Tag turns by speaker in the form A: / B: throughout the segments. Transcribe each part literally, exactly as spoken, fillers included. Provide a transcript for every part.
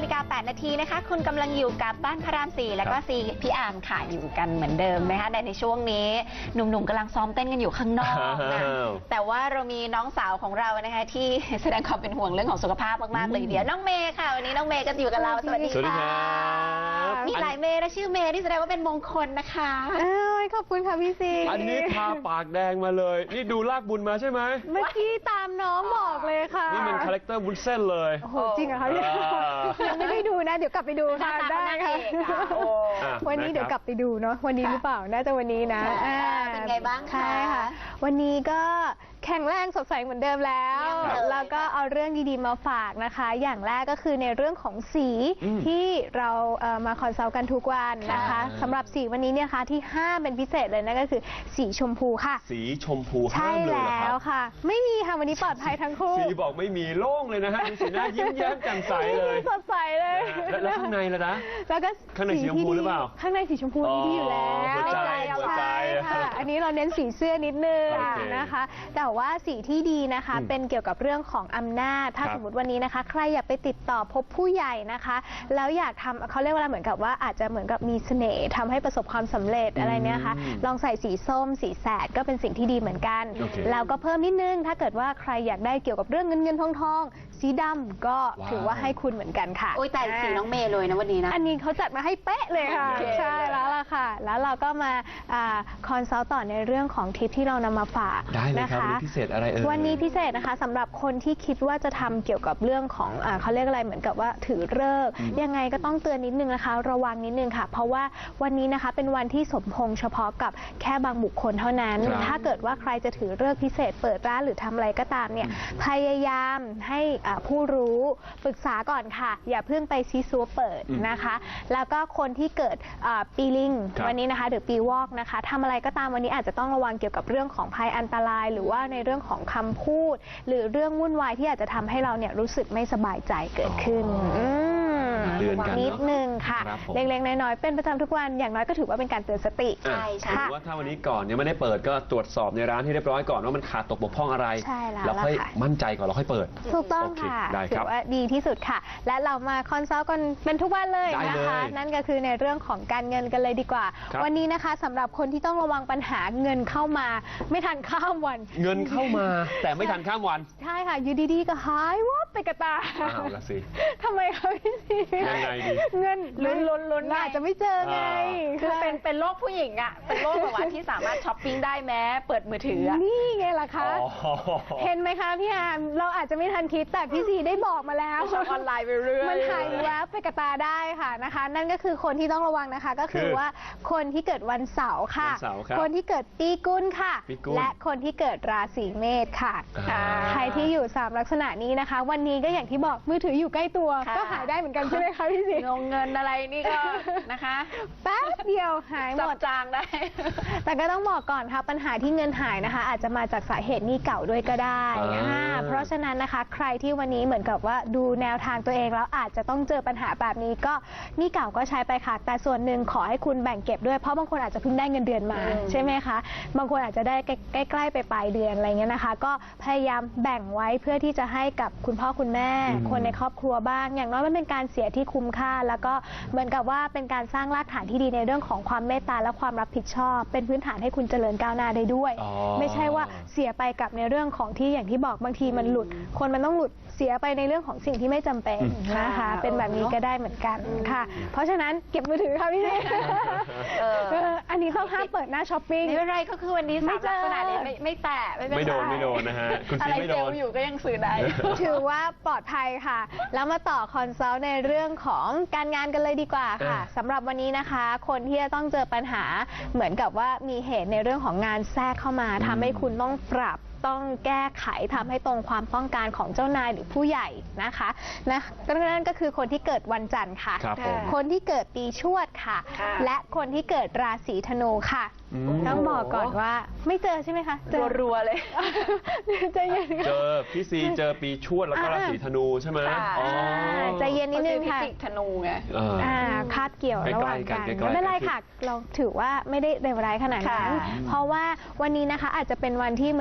A: ฬิกาแปดนาทีนะคะคุณกำลังอยู่กับบ้านพระรามสี่แล้วก็ซีพี่อาร์มค่ะอยู่กันเหมือนเดิมนะคะในช่วงนี้หนุ่มๆกำลังซ้อมเต้นกันอยู่ข้างนอกนะแต่ว่าเรามีน้องสาวของเรานะคะที่แสดงความเป็นห่วงเรื่องของสุขภาพมากๆเลยเดี๋ยวน้องเมย์ค่ะวันนี้น้องเมย์ก็อยู่กับเราสวัสดีค่ะมีหลายเมย์และชื่อเมย์ที่แสดงว่าเป็นมงคลนะคะ
B: เอ้ยขอบคุณค่ะพี่ซี
C: อันนี้ทาปากแดงมาเลยนี่ดูลากบุญมาใช่ไหม
B: เมื่อกี้ตามน้องบอกเลยค่ะ
C: นี่มันคาแรคเตอร์วุ้นเส้นเลย
B: โอ้โหจริงเหรอคะพี่ยังไม่ได้ดูนะเดี๋ยวกลับไปดูค่ะได้ค่ะวันนี้เดี๋ยวกลับไปดูเนาะวันนี้หรือเปล่าน่าจะวันนี้นะ
A: เป็นไงบ้างคะ
B: ใช่ค่ะวันนี้ก็แข็งแรงสดใสเหมือนเดิมแล้วแล้วก็เอาเรื่องดีๆมาฝากนะคะอย่างแรกก็คือในเรื่องของสีที่เรามาคอนซัลท์กันทุกวันนะคะสำหรับสีวันนี้เนี่ยค่ะที่ห้ามเป็นพิเศษเลยนั่นก็คือสีชมพูค่ะ
C: สีชมพูห้ามเลยเหรอครับ
B: ใช่แล้วค่ะไม่มีค่ะวันนี้ปลอดภัยทั้งคู่
C: สีบอกไม่มีโล่งเลยนะฮะดูสีหน้ายิ้มแย้มแจ่มใสเลย
B: สดใสเลย
C: แล้วข้างในล่ะนะ
B: แล้วก็
C: ข้างในสีชมพูหรือเปล่า
B: ข้างในสีชมพูที่อยู่แล้ว
C: หัวใจหัวใจ
B: ค่ะอันนี้เราเน้นสีเสื้อนิดนึงนะคะแต่ว่าสีที่ดีนะคะเป็นเกี่ยวกับเรื่องของอำนาจถ้าสมมติวันนี้นะคะใครอยากไปติดต่อพบผู้ใหญ่นะคะแล้วอยากทำเขาเรียกว่าเหมือนกับว่าอาจจะเหมือนกับมีเสน่ห์ทำให้ประสบความสำเร็จอะไรเนี่ยค่ะลองใส่สีส้มสีแสดก็เป็นสิ่งที่ดีเหมือนกันแล้วก็เพิ่มนิดนึงถ้าเกิดว่าใครอยากได้เกี่ยวกับเรื่องเงินเงินทองทองสีดำก็ถือว่าให้คุณเหมือนกันค่ะ
A: โอ้ยแต่สีน้องเมย์เลยนะวันนี้นะ
B: อันนี้เขาจัดมาให้เป๊ะเลยค่ะใช่แล้วล่ะค่ะแล้วเราก็มาคอนซัลท์ต่อในเรื่องของทิปที่เรานำมาฝาก
C: นะคะวันนี้พิเศษอะไรเอ่ย
B: วันนี้พิเศษนะคะสำหรับคนที่คิดว่าจะทำเกี่ยวกับเรื่องของเขาเรียกอะไรเหมือนกับว่าถือฤกษ์ยังไงก็ต้องเตือนนิดนึงนะคะระวังนิดนึงค่ะเพราะว่าวันนี้นะคะเป็นวันที่สมพงษ์เฉพาะกับแค่บางบุคคลเท่านั้นถ้าเกิดว่าใครจะถือฤกษ์พิเศษเปิดร้านหรือทำอะไรก็ตามเนี่ยพยายามให้ผู้รู้ปรึกษาก่อนค่ะอย่าเพิ่งไปซีซัวเปิดนะคะแล้วก็คนที่เกิดปีลิงวันนี้นะคะหรือปีวอกนะคะทำอะไรก็ตามวันนี้อาจจะต้องระวังเกี่ยวกับเรื่องของภัยอันตรายหรือว่าในเรื่องของคำพูดหรือเรื่องวุ่นวายที่อาจจะทำให้เราเนี่ยรู้สึกไม่สบายใจเกิดขึ้น
C: เตือนกัน
B: นิดนึงค่ะเล็กๆน้อยๆเป็นประจำทุกวันอย่างน้อยก็ถือว่าเป็นการเตือนสติ
C: ใช่ใช่ว่าถ้าวันนี้ก่อนยังไม่ได้เปิดก็ตรวจสอบในร้านที่เรียบร้อยก่อนว่ามันขาดตกบกพร่องอะไรแล้วค่อยมั่นใจก่อนเราค่อยเปิด
B: ถูกต้องค่ะถือว่าดีที่สุดค่ะและเรามาคอนซัลท์กันเป็นทุกวันเลยนะคะนั่นก็คือในเรื่องของการเงินกันเลยดีกว่าวันนี้นะคะสำหรับคนที่ต้องระวังปัญหาเงินเข้ามาไม่ทันข้ามวัน
C: เงินเข้ามาแต่ไม่ทันข้ามวัน
B: ใช่ค่ะอยู่ดีๆก็หายวับไปกระตา
C: อ้าวละสิ
B: ทำไมคะพี่ซี
C: ยังไงดี
B: เงินลุ้นลุ้นลุ้นอาจจะไม่เจอไง
A: คือเป็นเป็นโลกผู้หญิงอ่ะเป็นโลกแบบว่าที่สามารถช้อปปิ้งได้แม้เปิดมือถือ
B: นี่ไงล่ะคะเห็นไหมคะพี่อาร์มเราอาจจะไม่ทันคิดแต่พี่ซีได้บอกมาแล้ว
A: ช้อปออนไลน์ไปเรื่อย
B: มันหายแวบไปกระตาได้ค่ะนะคะนั่นก็คือคนที่ต้องระวังนะคะก็คือว่าคนที่เกิดวันเสาร์ค่ะคนที่เกิดปีกุลค่ะและคนที่เกิดราศีเมษค่ะใครที่อยู่สามลักษณะนี้นะคะวันนี้ก็อย่างที่บอกมือถืออยู่ใกล้ตัวก็หายได้เหมือนกันใช่ไหมคะพี่ซี
A: งงเงินอะไรนี่ก็นะคะ
B: แป๊บเดียวหายหมด
A: จางได้
B: แต่ก็ต้องบอกก่อนค่ะปัญหาที่เงินหายนะคะอาจจะมาจากสาเหตุหนี้เก่าด้วยก็ได้เพราะฉะนั้นนะคะใครที่วันนี้เหมือนกับว่าดูแนวทางตัวเองแล้วอาจจะต้องเจอปัญหาแบบนี้ก็หนี้เก่าก็ใช้ไปค่ะแต่ส่วนหนึ่งขอให้คุณแบ่งเก็บด้วยเพราะบางคนอาจจะเพิ่งได้เงินเดือนมาใช่ไหมคะบางคนอาจจะได้ใกล้ๆไปปลายเดือนอะไรเงี้ยนะคะก็พยายามแบ่งไว้เพื่อที่จะให้กับคุณพ่อคุณแม่คนในครอบครัวบ้างอย่างน้อยมันเป็นการเสียที่คุ้มค่าแล้วก็เหมือนกับว่าเป็นการสร้างรากฐานที่ดีในเรื่องของความเมตตาและความรับผิดชอบเป็นพื้นฐานให้คุณเจริญก้าวหน้าได้ด้วยไม่ใช่ว่าเสียไปกับในเรื่องของที่อย่างที่บอกบางทีมันหลุดคนมันต้องหลุดเสียไปในเรื่องของสิ่งที่ไม่จำเป็นนะคะเป็นแบบนี้ก็ได้เหมือนกันค่ะเพราะฉะนั้นเก็บมือถือค่ะพี่เนอันนี้ต้องห้ามเปิดหน้าช้อปปิ้ง
A: ไม่เป็นไรก็คือวันนี้สามลักษณะนี้ไม่แตะ
C: ไม่โดนไม่โดนนะฮะคุณซีไม่โดน
A: อยู่ก็ยังซื้อได้
B: ถือว่าปลอดภัยค่ะแล้วมาต่อคอนซัลท์ในเรื่องของการงานกันเลยดีกว่าค่ะสำหรับวันนี้นะคะคนที่จะต้องเจอปัญหาเหมือนกับว่ามีเหตุในเรื่องของงานแทรกเข้ามาทำให้คุณต้องปรับต้องแก้ไขทำให้ตรงความต้องการของเจ้านายหรือผู้ใหญ่นะคะนะนั่นก็คือคนที่เกิดวันจันทร์ค่ะคนที่เกิดปีชวดค่ะและคนที่เกิดราศีธนูค่ะต้องบอกก่อนว่าไม่เจอใช่ไหมคะ
A: เจอรัวเลย
B: ใจเย็น
C: เจอพี่ซีเจอปีชวดแล้วก็ราศีธนูใช่ไหม
B: ใจเย็นนิดนึงค่ะ
A: ธนูไง
B: คาดเกี่ยวระหว่างกันไม่เป็นไรค่ะเราถือว่าไม่ได้เลวร้ายขนาดนั้นเพราะว่าวันนี้นะคะอาจจะเป็นวันที่เหมือนกับว่า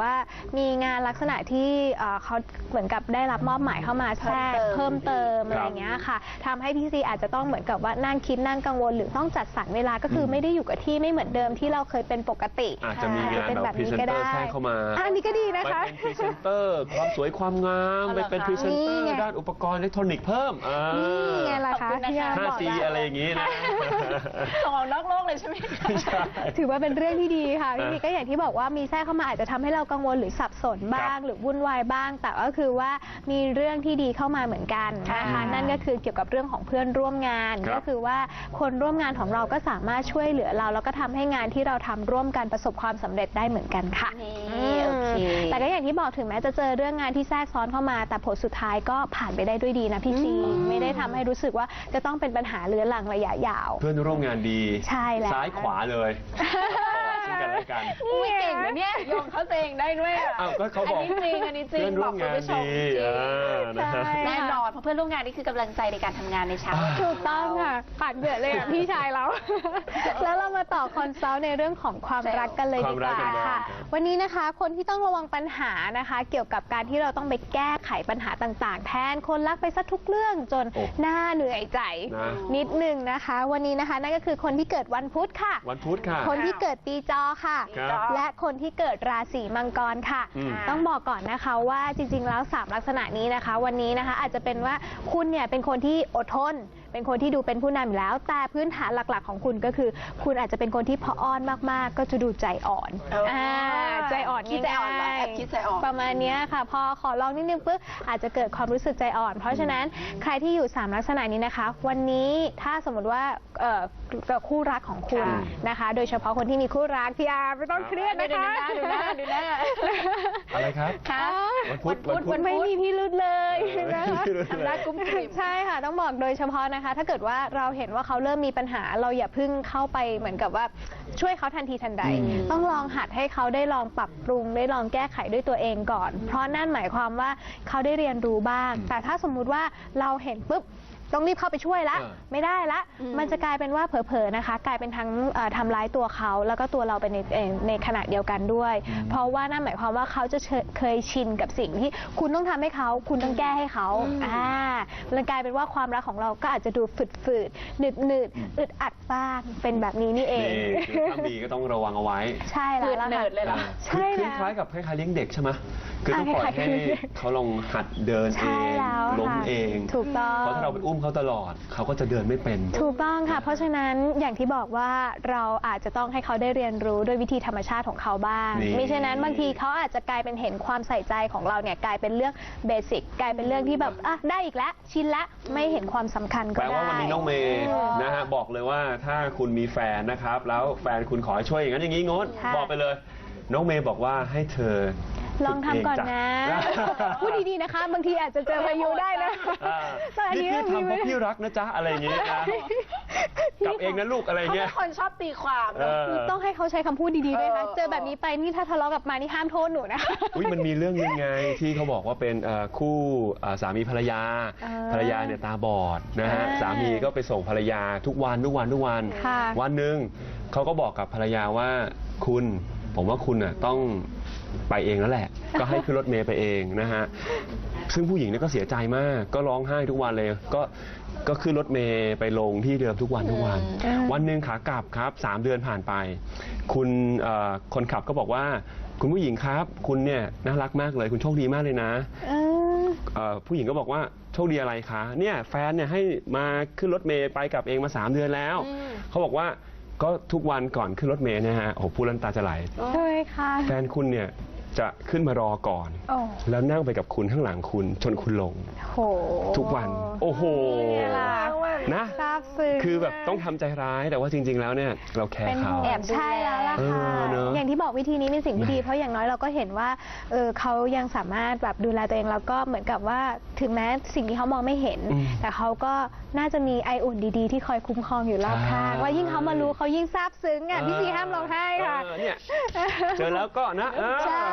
B: ว่ามีงานลักษณะที่เอ่อเขาเหมือนกับได้รับมอบหมายเข้ามาแทรกเพิ่มเติมอะไรอย่างเงี้ยค่ะทำให้พี่ซีอาจจะต้องเหมือนกับว่านั่งคิดนั่งกังวลหรือต้องจัดสรรเวลาก็คือไม่ได้อยู่กับที่ไม่เหมือนเดิมที่เราเคยเป็นปกติ
C: อาจจะมีงาน
B: เป็น
C: แบ
B: แบบ บ
C: พรี
B: นี้
C: เซน
B: ก็
C: เตอ
B: ได้
C: ร์แทรกเข้ามา
B: อันนี้ก็ดีนะ
C: ไป
B: คะ
C: เป็นพรีเซนเตอร์ความสวยความงามไปเป็นพรีเซนเตอร์
B: นี่ไง
C: ด้านอุปกรณ์อิเล็กทรอนิกส์เพิ่มอ่า
B: นี่ไงล่ะคะ
A: ขอบคุณนะคะ
B: พี่อาร์ม
C: ห้า
B: บอก
C: ซี
B: แล้ว
C: อะไรอย่างนี้นะ
A: ส่งออกนอกโลกเลยใช่ไหมคะ
C: ไม่ใช่
B: ถือว่าเป็นเรื่องที่ดีค่ะพี่
C: อ่ะ
B: มีก็อย่างที่บอกว่ามีแทรกเข้ามาอาจจะทำให้เรากังวลหรือสับสนบ้างหรือวุ่นวายบ้าง แต่ก็คือว่ามีเรื่องที่ดีเข้ามาเหมือนกันนะคะ
A: ค่ะ
B: นั่นก็คือเกี่ยวกับเรื่องของเพื่อนร่วมงาน
C: ครับ
B: ก็คือว่าคนร่วมงานของเราก็สามารถช่วยเหลือเรา แล้วก็ทำให้งานที่เราทำร่วมกันประสบความสำเร็จได้เหมือนกันค่ะ
A: นี่โอเค
B: แต่ก็อย่างที่บอกถึงแม้จะเจอเรื่องงานที่แทรกซ้อนเข้ามา แต่ผลสุดท้ายก็ผ่านไปได้ด้วยดีนะพี่ซีไม่ได้ทำให้รู้สึกว่าจะต้องเป็นปัญหาเรื้อรังระยะยาว
C: เพื่อนร่วมงานดี
B: ใช่แล้ว
C: ซ้ายขวาเลยซึ่งกันและกัน
A: อุ้ยเก่งนะเนี่ยโยงเขาเองได้ด้วยอะ
C: อ้าวก็เขาบอก
A: อันนี้จริงอันนี้จริง
C: เพื่อนร่วมงาน
A: บอกคุณผู้ชม
C: ดี
A: จริง
C: อ่านะฮะ
B: ใช่
A: แน่นอนเพราะเพื่อนร่วมงานนี่คือกำลังใจในการทำงานในเช้า
B: ถูกต้องค่ะปาดเหงื่อเลยอ่ะ พี่ชายเรา แล้วเรามาต่อคอนซัลท์ในเรื่องของความรักกันเลยดีกว่า
C: ความรักกันบ้าง
B: ค่ะ
C: ครับ
B: วันนี้นะคะคนที่ต้องระวังปัญหานะคะ เกี่ยวกับการที่เราต้องไปแก้ไขปัญหาต่างๆ แทนคนรักไปซะทุกเรื่องจน
C: โอ้
B: หน้าเหนื่อยใจ
C: นะ
B: นิดหนึ่งนะคะ วันนี้นะคะนั่นก็คือคนที่เกิดวันพุธค่ะ
C: วันพุธค่ะ
B: คนที่เกิดปีจอค่ะ
C: ครับ
B: และคนที่เกิดราศีมังกรค่ะ
C: อืม
B: ต้องบอกก่อนนะคะว่าจริงๆ แล้วสามลักษณะนี้นะคะ วันนี้นะคะอาจจะเป็นว่าคุณเนี่ยเป็นคนที่อดทน เป็นคนที่ดูเป็นผู้นำอยู่แล้ว แต่พื้นฐานหลักๆของคุณก็คือ คุณอาจจะเป็นคนที่พออ้อนมากๆ ก็จะดูใจอ่อน
A: เอออ่
B: าใจอ่อน
A: คิดใจอ่อนเหรอ
B: ง่าย
A: แอบคิดใจอ่อน
B: ประมาณเนี้ยค่ะ พอขอลองนิดนึงปุ๊บอาจจะเกิดความรู้สึกใจอ่อน เพราะฉะนั้นใครที่อยู่สามลักษณะนี้นะคะ วันนี้ถ้าสมมติว่าเอ่อคู่รักของคุณ
A: ค่ะ
B: นะคะ โดยเฉพาะคนที่มีคู่รักพี่อาร์ไม่ต้องเครียด
A: ดู
B: นะ
A: หน้า
B: คะ
A: ดูหน้าดูหน้า
C: อะไรครับ
A: ค่ะ
C: วันพุธวันพุธ
B: มันไม่มีพิรุธเลยนะคะ
A: ทำหน้ากุ้มกลิ่ม
B: ใช่ค่ะต้องบอกโดยเฉพาะนะคะ ถ้าเกิดว่าเราเห็นว่าเขาเริ่มมีปัญหาเราอย่าเพิ่งเข้าไปเหมือนกับว่าช่วยเขาทันทีทันใด
C: อืม
B: ต้องลองหัดให้เขาได้ลองปรับปรุงได้ลองแก้ไขด้วยตัวเองก่อน เพราะนั่นหมายความว่าเขาได้เรียนรู้บ้าง แต่ถ้าสมมุติว่าเราเห็นปุ๊บต้องรีบเข้าไปช่วยละ
C: เออ
B: ไม่ได้ละ
A: อืม
B: มันจะกลายเป็นว่าเผลอๆนะคะ กลายเป็นทั้งเอ่อทำร้ายตัวเขาแล้วก็ตัวเราไปในเอ่อในขณะเดียวกันด้วย เพราะว่านั่นหมายความว่าเขาจะเชเคยชินกับสิ่งที่คุณต้องทำให้เขาคุณต้องแก้ให้เขาอ่ามันกลายเป็นว่าความรักของเราก็อาจจะดูฝืดๆหนืดหนืดๆอึดอัดบ้างเป็นแบบนี้นี่เอง
C: นี่คือถ้ามีก็ต้องระวังเอาไว้
B: ใช่แล้วล่ะ
A: เนิ
B: ค่ะ
A: ร์ดเลยเหรอ
B: ใช่
C: คือ
B: แล้ว
C: คล้ายๆกับคล้ายๆเลี้ยงเด็กใช่ไหมคือต้องปล่อย
B: อ่าคล้ายๆ
C: ให้
B: เลี้ยงเด็ก
C: เขาลองหัดเดินเอ
B: ใช่
C: ง
B: แล้ว
C: ล้ม
B: ค่ะ
C: เอง
B: ถูกต้อง
C: เพราะถ้าเราไปอุ้มเขาตลอด เขาก็จะเดินไม่เป็น
B: ถูกต้องค่ะ เพราะฉะนั้นอย่างที่บอกว่าเราอาจจะต้องให้เขาได้เรียนรู้ด้วยวิธีธรรมชาติของเขาบ้าง
C: นี่
B: มิฉะนั้นบางทีเขาอาจจะกลายเป็นเห็นความใส่ใจของเราเนี่ยกลายเป็นเรื่องเบสิกกลายเป็นเรื่องที่แบบอ่ะได้อีกแล้วชินละไม่เห็นความสำคัญก็
C: แปล
B: ได้
C: ว่าวันนี้น้องเมย์นะฮะบอกเลยว่าถ้าคุณมีแฟนนะครับ แล้วแฟนคุณขอให้ช่วยอย่างนั้นอย่างนี้งด
B: ค่ะ
C: บอกไปเลย น้องเมย์บอกว่าให้เธอ
B: ลองทำก่อนนะ พูดดีๆนะคะ บางทีอาจจะเจอพายุได้นะ
C: อ่า
B: แต่อัน
C: นี่
B: นี้
C: พี่
B: มี
C: ทำเพราะพี่รักนะจ๊ะอะไรอย่างเงี้ยนะกลับเองนะลูกอะไร
A: เขา
C: เงี้
A: เป็
C: ย
A: นคนชอบตีความ
C: เอ
A: เนอะ
C: อ
B: ต้องให้เขาใช้คำพูดดีๆด้วยนะ
A: เออ
B: เจอแบบนี้ไปนี่ถ้าทะเลาะกลับมานี่ห้ามโทษหนูนะ
C: อุ้ยมันมีเรื่องยังไงที่เขาบอกว่าเป็นเอ่อคู่เอ่อสามีภรรยา
B: อ่า
C: ภรรยาเนี่ยตาบอดนะฮะ
B: อ่า
C: สามีก็ไปส่งภรรยาทุกวันทุกวันทุกวัน
B: ค่ะ
C: วันหนึ่งเขาก็บอกกับภรรยาว่าคุณผมว่าคุณน่ะต้องไปเองแล้วแหละ ก็ให้ขึ้นรถเมล์ไปเองนะฮะซึ่งผู้หญิงเนี่ยก็เสียใจมากก็ร้องไห้ทุกวันเลยก็ก็ขึ้นรถเมล์ไปลงที่เดิมทุกวันทุกวัน
B: อืม
C: วันหนึ่งขากลับครับสามเดือนผ่านไป คุณเอ่อคนขับก็บอกว่า คุณผู้หญิงครับ คุณเนี่ยน่ารักมากเลย คุณโชคดีมากเลยนะ
B: เออ
C: เอ่อผู้หญิงก็บอกว่าโชคดีอะไรคะเนี่ยแฟนเนี่ยให้มาขึ้นรถเมย์ไปกลับเองมาสามเดือนแล้ว
A: อืม
C: เขาบอกว่าก็ทุกวันก่อนขึ้นรถเมย์เนะฮะโอ้โหพูดแล้วน้ำตาจะไหล
B: ใช่ค่ะ
C: แฟนคุณเนี่ยจะขึ้นมารอก่อน
B: โอ้
C: แล้วนั่งไปกับคุณข้างหลังคุณจนคุณลง
B: โห
C: ทุกวัน โอ้โห
B: นี่ล่ะ
C: นะ
B: ซาบซึ้ง
C: คือแบบต้องทำใจร้ายแต่ว่าจริง ๆ แล้วเนี่ยเราแคร์
B: เป็น
C: เขา
B: แอบใช่แล้วล่ะค่ะ
C: เออเนอะ
B: อย่างที่บอกวิธีนี้เป็นสิ่งที่ดี เพราะอย่างน้อยเราก็เห็นว่าเออเขายังสามารถแบบดูแลตัวเองแล้วก็เหมือนกับว่าถึงแม้สิ่งที่เขามองไม่เห็น
C: อืม
B: แต่เขาก็น่าจะมีไออุ่นดีๆ ที่คอยคุ้มครองอยู่รอบข้าง
C: ใช่
B: ว่ายิ่งเขามารู้เขายิ่งซาบซึ้งอ่ะพี่ซีห้ามร้องไห้ค่ะ
C: เออเนี่ยเจอแล้วก็นะเออ
B: ใช่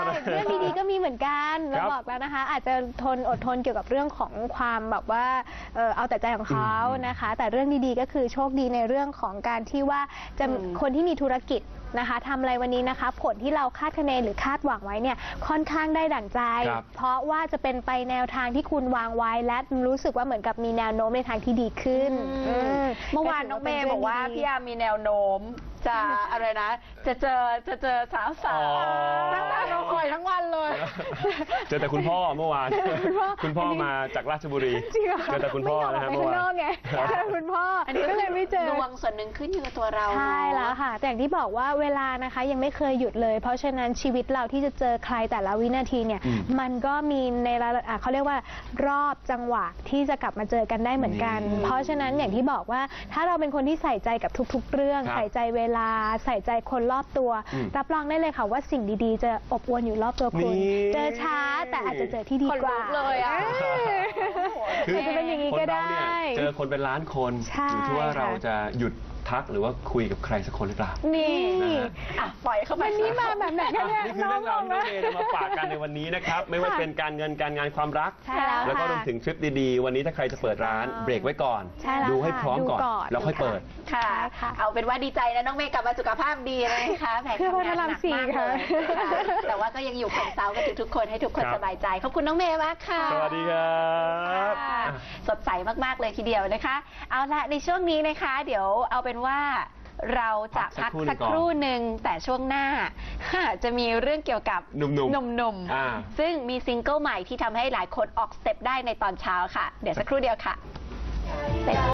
B: เรื่องดีๆก็มีเหมือนกัน
C: ค
B: เรา
C: รับ
B: บอกแล้วนะคะ อาจจะทนอดทนเกี่ยวกับเรื่องของความแบบว่าเออเอาแต่ใจของเขา
C: อืม
B: นะคะ แต่เรื่องดีๆก็คือโชคดีในเรื่องของการที่ว่าจะ
A: อืม
B: คนที่มีธุรกิจนะคะทำอะไรวันนี้นะคะ ผลที่เราคาดคะเนหรือคาดหวังไว้เนี่ยค่อนข้างได้ดั่งใจ
C: ครับ
B: เพราะว่าจะเป็นไปแนวทางที่คุณวางไว้และรู้สึกว่าเหมือนกับมีแนวโน้มในทางที่ดีขึ้น
A: อืม
B: อืม
A: เมื่อวานน้องเมย์บอกว่าพี่ยามีแนวโน้มจะอะไรนะ จะเจอจะเจอสาวสา
C: อ๋
A: ว
C: อ
A: ตั้งแต่เราคอยทั้งวันเลย
C: เจอแต่คุณพ่อเมื่อวาน
B: คุณพ่อ
C: คุณพ่อมาจากราชบุรี
B: จริงเหรอ
C: เจอแต่คุณพ่อนะฮะ
B: ไม่
C: เมื่
B: ย
C: อ
B: อมออก
C: วา
B: ไปข้างนอก
C: น
B: ไงเจอคุณพ่ออ
A: อันนี้
B: ก็เลยไม่เจอ
A: ดวงส่วนหนึ่งขึ้นอยู่กับตัวเรา
B: ใช่
A: เนอะ
B: แล้วค่ะ แต่อย่างที่บอกว่าเวลานะคะยังไม่เคยหยุดเลย เพราะฉะนั้นชีวิตเราที่จะเจอใครแต่ละวินาทีเนี่ย
C: อืม
B: มันก็มีในระดับอ่ะเขาเรียกว่ารอบจังหวะที่จะกลับมาเจอกันได้เหมือนกัน
C: นี่
B: เพราะฉะนั้นอย่างที่บอกว่าถ้าเราเป็นคนที่ใส่ใจกับทุกๆ เรื่อง
C: ครับ
B: ใส่ใจเวลาใส่ใจคนรอบตัว
C: อืม
B: รับรองได้เลยค่ะว่าสิ่งดีๆ จะอบอวลอยู่รอบตัวคุณ
C: นี่
B: เจอช้าแต่อาจจะเจอที่ดีกว่า
A: ขนลุกเลยอะ
C: คือ
B: อาจจะเป็นอย่างนี้
C: คน
B: ก็
C: เรา
B: ได้
C: เนี่ยเจอคนเป็นล้านคน
B: ใช่
C: อยู่ที่ว่า
B: ค่ะ
C: เราจะหยุดทักหรือว่าคุยกับใครสักคนหรือเปล่า
B: นี่
C: นะฮะ
A: อ่ะปล่อยเข้าไป
B: วันนี้มาแบบไหนกันเนี่ย
C: นี่คือเรื่องราวที่น้องเมย์จะมาฝากกันในวันนี้นะครับ ไม่ว่าจะเป็นการเงินการงานความรัก
B: ใช่แล้ว
C: แล้วก็
B: ค่ะ
C: รวมถึงทริปดีๆ วันนี้ถ้าใครจะเปิดร้านเบรกไว้ก่อน
B: ใช่แล้ว
C: ดูให้
B: ค่ะ
C: พร้อมก่อน
B: ดูก่อน
C: แล้วค่อยเปิด
A: ค่ะ
B: ใช่ค่ะ
A: เอาเป็นว่าดีใจนะน้องเมย์กลับมาสุขภาพดีเลยนะคะแหม
B: เพื่อพระ
A: ทำงาน
B: ราม
A: หนัก
B: สี่
A: มาก
B: ค่ะ
A: เลยค่ะแต่ว่าก็ยังอยู่คนเซากันทุกๆคนให้ทุกคน
C: ครับ
A: สบายใจ ขอบคุณน้องเมย์มากค่ะ
C: สวัสดีครับ
A: ค่ะสดใสมากๆเลยทีเดียวนะคะ เอาละในช่วงนี้นะคะ เดี๋ยวเอาเป็นว่าเราจะพักสักครู่หนึ่งแต่ช่วงหน้า จะมีเรื่องเกี่ยวกับ
C: หนุ่มๆ
A: หนุ่ม
C: อ่า
A: ๆซึ่งมีซิงเกิลใหม่ที่ทำให้หลายคนออกสเต็ปได้ในตอนเช้าค่ะ เดี๋ยวสักครู่เดียวค่ะ